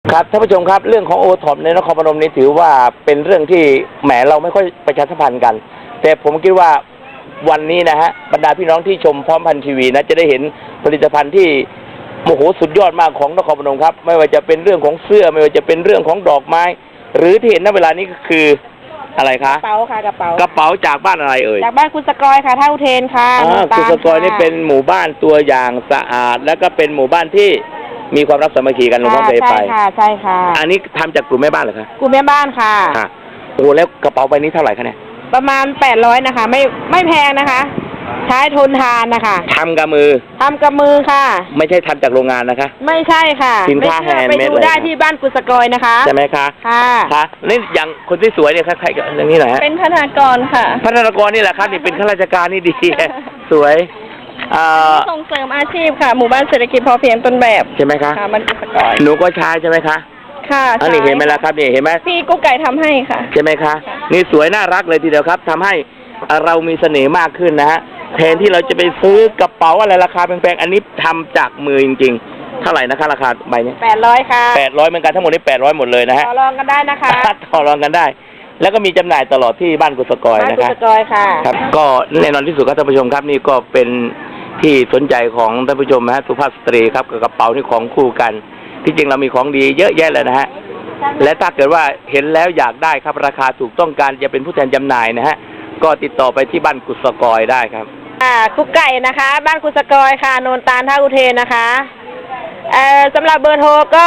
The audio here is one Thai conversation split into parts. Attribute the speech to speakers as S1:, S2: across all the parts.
S1: ครับท่านผู้ชมครับเรื่องของโอท็อปในนครพนมนี้ถือว่าเป็นเรื่องที่แหมเราไม่ค่อยประชาสัมพันธ์กันแต่ผมคิดว่าวันนี้นะฮะบรรดาพี่น้องที่ชมพร้อมพันทีวีนะจะได้เห็นผลิตภัณฑ์ที่โอ้โหสุดยอดมากของนครพนมครับไม่ว่าจะเป็นเรื่องของเสื้อไม่ว่าจะเป็นเรื่องของดอกไม้หรือที่เห็นณเวลานี้ก็คืออะไรคะ
S2: กระเป๋าค่ะกระเ
S1: ป๋าจากบ้านอะไรเอ่ย
S2: จากบ้านคุณสกอยค่ะท่าอุเทนค่ะ
S1: คุณสกอยนี่เป็นหมู่บ้านตัวอย่างสะอาดแล้วก็เป็นหมู่บ้านที่มีความรักสามัคคีกันหลวงพ่อเคยไป
S2: ใช่ค่ะ
S1: อันนี้ทำจากกลุ่มแม่บ้านเหรอคะ
S2: กลุ่มแม่บ้านค่ะ
S1: โอ้แล้วกระเป๋าใบนี้เท่าไหร่คะเนี่ย
S2: ประมาณ800นะคะไม่แพงนะคะใช้ทนทานนะคะ
S1: ทำกับมือ
S2: ค่ะ
S1: ไม่ใช่ทำจากโรงงานนะคะ
S2: ไม่ใช่ค่ะ
S1: สินค้าแฮนด์เมด
S2: ไปดูได้ที่บ้านกุศกอยนะคะ
S1: ใช่ไหมคะ
S2: ค่ะ
S1: นี่อย่างคนที่สวยเนี่ยใครๆอย่างนี้หน่อยฮะ
S2: เป็นพนักงานค่ะ
S1: พนักงานนี่แหละครับนี่เป็นข้าราชการนี่ดีสวย
S2: ส่งเสริมอาชีพค่ะหมู่บ้านเศรษฐกิจพอเพียงต้นแบบ
S1: ใช่ไหมคะ
S2: บ้านกุศกอย
S1: หนูก็ใช้ใช่ไหมคะ
S2: ค่ะ
S1: อันนี้เห็นไหมล่ะครับนี่เห็นไหม
S2: พี่กุ๊กไก่ทำให้ค่ะ
S1: ใช่ไหมคะนี่สวยน่ารักเลยทีเดียวครับทำให้เรามีเสน่ห์มากขึ้นนะฮะแทนที่เราจะไปซื้อกระเป๋าอะไรราคาแพงๆอันนี้ทำจากมือจริงๆเท่าไหร่นะคะราคาใบนี้
S2: 800ค่ะ
S1: 800เหมือนกันทั้งหมดนี้800หมดเลยนะฮะ
S2: ต่อรองกันได้นะคะ
S1: ต่อรองกันได้แล้วก็มีจำหน่ายตลอดที่บ้านกุศกอยนะคะ
S2: บ้านกุศกอยค่ะ
S1: ครับก็แน่นอนที่สุดครับท่านผู้ชมครับนี่ก็เป็นที่สนใจของท่านผู้ชมนะฮะสุภาพสตรีครับกับกระเป๋านี่ของคู่กันที่จริงเรามีของดีเยอะแยะเลยนะฮะและถ้าเกิดว่าเห็นแล้วอยากได้ครับราคาถูกต้องการจะเป็นผู้แทนจำหน่ายนะฮะก็ติดต่อไปที่บ้านกุศกอยได้ครับ
S2: กุ๊กไก่นะคะบ้านกุศกอยค่ะโนนตาลท่าอุเทนนะคะสำหรับเบอร์โทรก็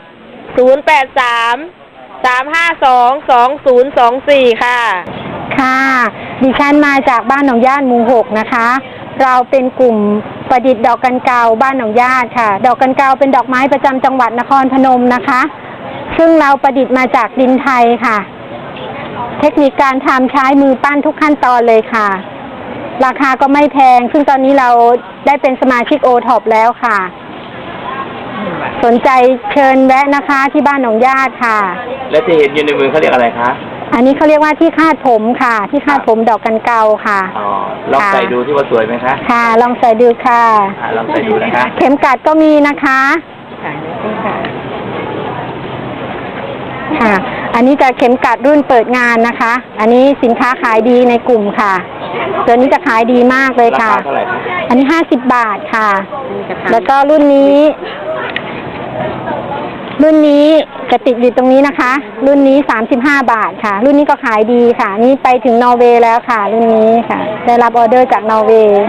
S2: 083-352-2024ค่ะ
S3: ค่ะดิฉันมาจากบ้านหนองญาติหมู่6นะคะเราเป็นกลุ่มประดิษฐ์ดอกกันเกาบ้านหนองญาติค่ะดอกกันเกาเป็นดอกไม้ประจำจังหวัดนครพนมนะคะซึ่งเราประดิษฐ์มาจากดินไทยค่ะเทคนิคการทำใช้มือปั้นทุกขั้นตอนเลยค่ะราคาก็ไม่แพงซึ่งตอนนี้เราได้เป็นสมาชิกโอท็อปแล้วค่ะสนใจเชิญแวะนะคะที่บ้านหนองญาติค่ะ
S1: และที่เห็นอยู่ในมือเขาเรียกอะไรคะ
S3: อันนี้เขาเรียกว่าที่คาดผมค่ะที่คาดผมดอกกันเกาค่ะ
S1: ลองใส่ดูที่ว่าสวยไหมคะ
S3: ค่ะลองใส่ดูค่ะ
S1: ลองใส่ดูนะคะ
S3: เข็มกัดก็มีนะคะค่ะอันนี้จะเข็มกัดรุ่นเปิดงานนะคะอันนี้สินค้าขายดีในกลุ่มค่ะตัวนี้จะขายดีมากเลยค่ะ
S1: ราคาเท่าไหร่คะ
S3: อันนี้50 บาทค่ะแล้วก็รุ่นนี้จะติดอยู่ตรงนี้นะคะรุ่นนี้35 บาทค่ะรุ่นนี้ก็ขายดีค่ะนี่ไปถึงนอร์เวย์แล้วค่ะรุ่นนี้ค่ะได้รับออเดอร์จากนอร์เวย์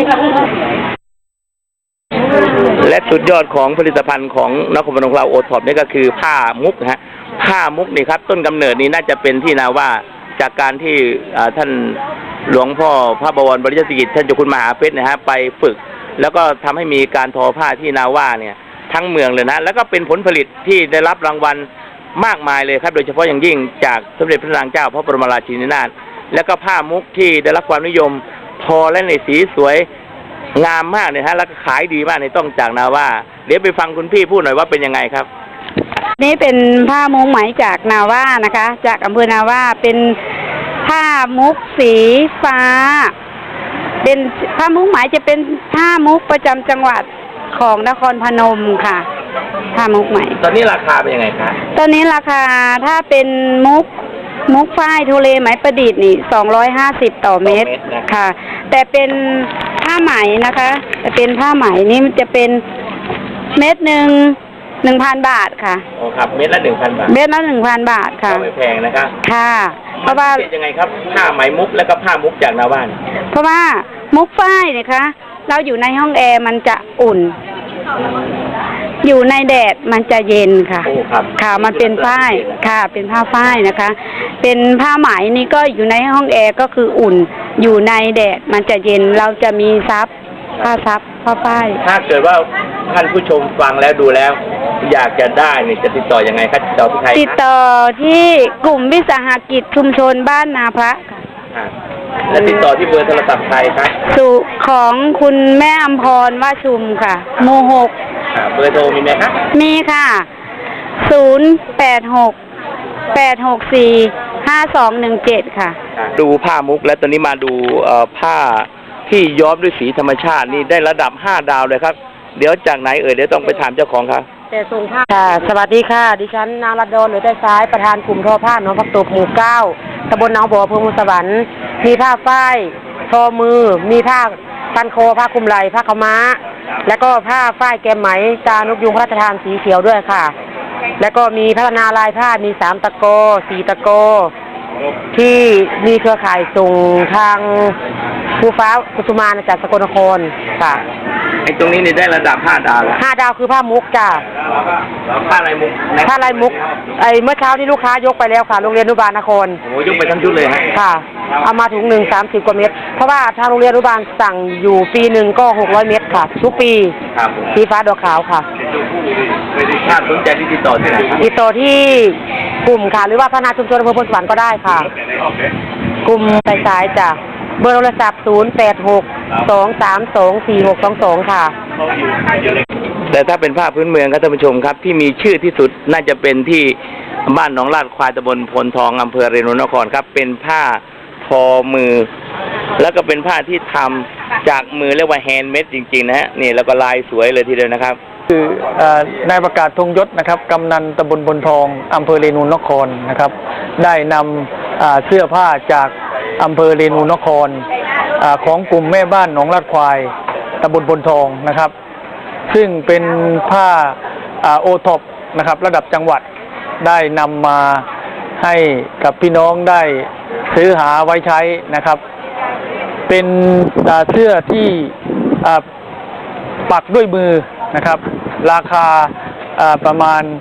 S1: และสุดยอดของผลิตภัณฑ์ของนครพนมเราโอท็อปนี่ก็คือผ้ามุกนะฮะผ้ามุกนี่ครับต้นกำเนิดนี้น่าจะเป็นที่นาว่าจากการที่ท่านหลวงพ่อพระบวรบริยสิกิจท่านเจ้าคุณมหาเพชรนะฮะไปฝึกแล้วก็ทำให้มีการทอผ้าที่นาว่าเนี่ยทั้งเมืองเลยนะแล้วก็เป็นผลผลิตที่ได้รับรางวัลมากมายเลยครับโดยเฉพาะอย่างยิ่งจากสมเด็จพระนางเจ้าพระบรมราชินีนาถแล้วก็ผ้ามุกที่ได้รับความนิยมทอและในสีสวยงามมากเนี่ยฮะแล้วก็ขายดีมากในต้องจากนาว่าเดี๋ยวไปฟังคุณพี่พูดหน่อยว่าเป็นยังไงครับ
S2: นี่เป็นผ้ามุกไหมจากนาว่านะคะจากอำเภอนาว่าเป็นผ้ามุกสีฟ้าเป็นผ้ามุกไหมจะเป็นผ้ามุกประจำจังหวัดของนครพนมค่ะผ้ามุกไหม
S1: ตอนนี้ราคาเป็นยังไงคะ
S2: ตอนนี้ราคาถ้าเป็นมุกฝ้ายทุเรไหมประดิษฐ์นี่250ต่อเม็ดค่ะแต่เป็นผ้าไหมนะคะแต่เป็นผ้าไหมนี่มันจะเป็นเม็ดหนึ่ง 1,000 บาทค่ะ
S1: โอ้ครับเม็ดละ 1,000 บาท
S2: เม็ดละ 1,000 บาทค่ะ
S1: ไม่แพงนะคะ
S2: ค่ะเพราะว่า
S1: ยังไงครับผ้าไหมมุกแล้วก็ผ้ามุกจากนาว่า
S2: เพราะว่ามุกฝ้ายเนี่ยคะเราอยู่ในห้องแอร์มันจะอุ่นอยู่ในแดดมันจะเย็นค่ะค่ะมันเป็นฝ้ายค่ะเป็นผ้าฝ้ายนะคะเป็นผ้าไหมนี่ก็อยู่ในห้องแอร์ก็คืออุ่นอยู่ในแดดมันจะเย็นเราจะมีซับผ้าซับผ้าฝ้าย
S1: ถ้าเกิดว่าท่านผู้ชมฟังแล้วดูแล้วอยากจะได้นี่จะติดต่อยังไงครับติดต่อที่ใคร
S2: ติดต่อที่กลุ่มวิสาหกิจชุมชนบ้านนาพระ
S1: ค่ะและติดต่อที่เบอร์โทรศัพท์ใครครับ
S2: ของคุณแม่อมพรว่าชุมค่ะหมู่6
S1: เบอร์โทรมีไหมครับ
S2: มีค่ะ086-864-5217ค่ะ
S1: ดูผ้ามุกและตอนนี้มาดูผ้าที่ย้อมด้วยสีธรรมชาตินี่ได้ระดับ5 ดาวเลยครับเดี๋ยวจากไหนเดี๋ยวต้องไปถามเจ้าของครับ
S3: แต่ทรงผ้าค่ะสวัสดีค่ะดิฉันนางรัตดรหรือได้ซ้ายประธานกลุ่มทอผ้าหนองผักตบหมู่ 9ตำบลหนองบัวอำเภอเมืองสวรรค์มีผ้าฝ้ายทอมือมีผ้าพันคอผ้าคลุมไหล่ผ้าขาวม้าแล้วก็ผ้าฝ้ายแกมไหมตานกยุงพระราชทานสีเขียวด้วยค่ะแล้วก็มีพัฒนาลายผ้ามี3 ตะโก 4 ตะโกที่มีเครือข่ายส่งทางภูฟ้ากุสุมานจากสกลนครค่ะ
S1: ไอ้ตรงนี้นี่ได้ระดับ5 ดาวแล้ว
S3: 5 ดาวคือผ้ามุกจ้ะ
S1: ผ้าลายมุก
S3: ผ้าลายมุกเมื่อเช้านี้ลูกค้ายกไปแล้วค่ะโรงเรียนอนุบาลนคร
S1: โอ้ยกไปทั้งชุดเลยฮะ
S3: ค่ะเอามาถุง1 30 กว่าเม็ดเพราะว่าทางโรงเรียนอนุบาลสั่งอยู่ปีหนึ่งก็600 เม็ดค่ะทุกปีสีฟ้าดอกขาวค่ะ
S1: ถ้าสนใจที่ติดต่อที่ไหนครับ
S3: ติดต่อที่กลุ่มค่ะหรือว่าพัฒนาชุมชนอำเภอพลสวรรค์ก็ได้ค่ะกลุ่มสายจ้ะเบอร์โทรศัพท์0862324622ค่ะ
S1: แต่ถ้าเป็นผ้าพื้นเมืองครับท่านผู้ชมครับที่มีชื่อที่สุดน่าจะเป็นที่บ้านหนองลาดควายตำบลพลทองอำเภอเรนูนครครับเป็นผ้าทอมือแล้วก็เป็นผ้าที่ทำจากมือเรียกว่าแฮนด์เมดจริงๆนะฮะนี่แล้วก็ลายสวยเลยทีเดียวนะครับ
S4: คือนายประกาศธงยศนะครับกำนันตำบลพลทองอำเภอเรนูนครนะครับได้นำเสื้อผ้าจากอำเภอเรนูนครของกลุ่มแม่บ้านหนองลาดควายตำบลพลทองนะครับซึ่งเป็นผ้าโอท็อปนะครับระดับจังหวัดได้นำมาให้กับพี่น้องได้ซื้อหาไว้ใช้นะครับเป็นเสื้อที่ปักด้วยมือนะครับราคาประมาณ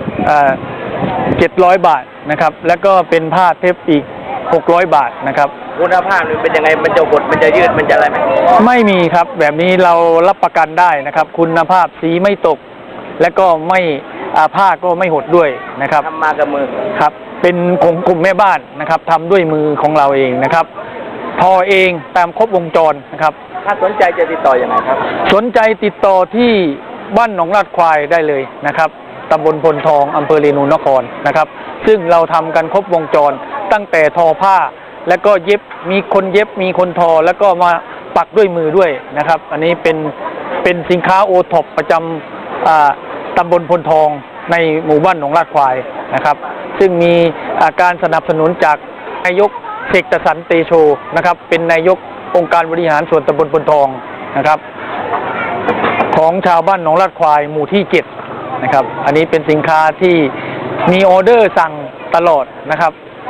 S4: 700 บาทนะครับแล้วก็เป็นผ้าเทปอีก600 บาทนะครับ
S1: คุณภาพนี่เป็นยังไงมันจะหดมันจะยืดมันจะอะไรไหม
S4: ไม่มีครับแบบนี้เรารับประกันได้นะครับคุณภาพสีไม่ตกและก็ไม่ผ้าก็ไม่หดด้วยนะครับ
S1: ทำมากับมือ
S4: ครับเป็นของกลุ่มแม่บ้านนะครับทำด้วยมือของเราเองนะครับทอเองตามครบวงจรนะครับ
S1: ถ้าสนใจจะติดต่ออยังไงครับ
S4: สนใจติดต่อที่บ้านหนองลาดควายได้เลยนะครับตำบลพลทองอำเภอเรนูนครนะครับซึ่งเราทำกันครบวงจรตั้งแต่ทอผ้าแล้วก็เย็บมีคนเย็บมีคนทอแล้วก็มาปักด้วยมือด้วยนะครับอันนี้เป็นสินค้าโอท็อปประจำตำบลพลทองในหมู่บ้านหนองลาดควายนะครับซึ่งมีการสนับสนุนจากนายกเสกสรรเตโชนะครับเป็นนายกองค์การบริหารส่วนตำบลพลทองนะครับของชาวบ้านหนองลาดควายหมู่ที่7นะครับอันนี้เป็นสินค้าที่มีออเดอร์สั่งตลอดนะครับ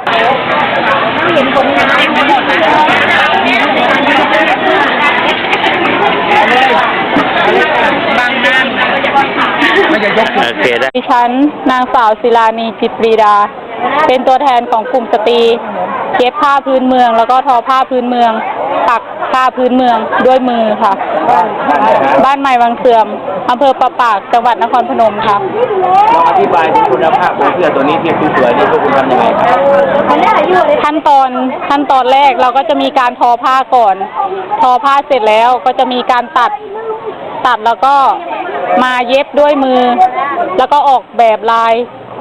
S2: ดิฉันนางสาวศิลานีจิตปรีดาเป็นตัวแทนของกลุ่มสตรีเย็บผ้าพื้นเมืองแล้วก็ทอผ้าพื้นเมืองปักผ้าพื้นเมืองด้วยมือค่ะบ้านใหม่วังเสื่อมอำเภอประปากจังหวัดนครพนมค่ะ
S1: ลองอธิบายถึงคุณภาพของเสื้อตัวนี้ที่สวยๆนี่พวกคุณทำยังไงครับ
S2: ขั้นตอนแรกเราก็จะมีการทอผ้าก่อนทอผ้าเสร็จแล้วก็จะมีการตัดแล้วก็มาเย็บด้วยมือแล้วก็ออกแบบลาย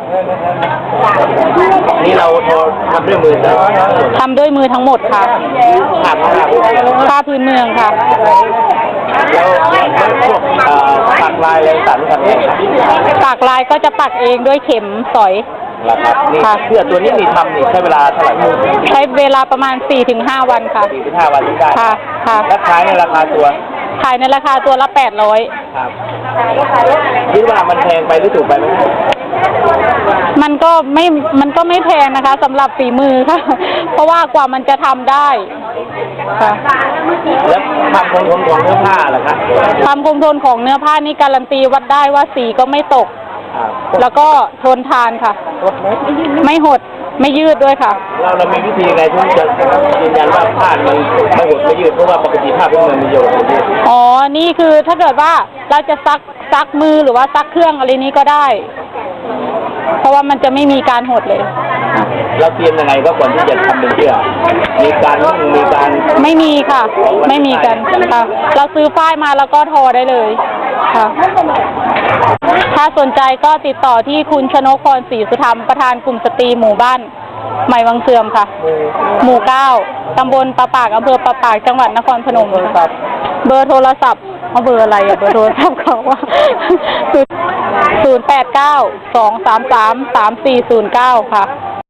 S1: นี่เราทำด้วยมือ
S2: ทำด้วยมือทั้งหมดค่ะผ้าพื้นเมืองค่ะ
S1: แล้วพวกปักลายอะไรต่างๆทำเอง
S2: ปักลายก็จะปักเองด้วยเข็มสอย
S1: ครับนี่เสื้อตัวนี้มีทำนี่ใช้เวลาเท่าไหร่
S2: ใช้เวลาประมาณ 4-5 วันค่ะ
S1: 4-5 วันที่ได้
S2: ค่ะ
S1: แล้วขายในราคาตัว
S2: ขายในราคาตัวละ800
S1: ครับคิดว่ามันแพงไปหรือถูกไปไหม
S2: มันก็ไม่แพงนะคะสำหรับฝีมือค่ะเพราะว่ากว่ามันจะทำได้ค่ะ
S1: แล้วความคงทนของเนื้อผ้าล่ะครับ
S2: ความคงทนของเนื้อผ้านี่การันตีวัดได้ว่าสีก็ไม่ตกแล้วก็ทนทานค่ะไม่หดไม่ยืดด้วยค่ะ
S1: เรามีวิธีไงที่จะยืนยันว่าผ้ามันไม่หดไม่ยืดเพราะว่าปกติผ้าพวกมันมีโยน
S2: อ๋อนี่คือถ้าเกิดว่าเราจะซักมือหรือว่าซักเครื่องอะไรนี้ก็ได้เพราะว่ามันจะไม่มีการหดเลย
S1: เราเตรียมยังไงก็ก่อนที่จะทำเป็นเสื้อมีการ
S2: ไม่มีค่ะไม่มีกันค่ะเราซื้อฝ้ายมาแล้วก็ทอได้เลยค่ะถ้าสนใจก็ติดต่อที่คุณชนกพรศรีสุธรรมประธานกลุ่มสตรีหมู่บ้านใหม่วังเสื่อมค่ะหมู่ 9ตำบลประปากอำเภอประปากจังหวัดนครพนมเบอร์โทรศัพท์
S3: เอาเบอร์อะไรอะเบอร์โทรศัพท์เขาว่า089-233-3409 ค่ะ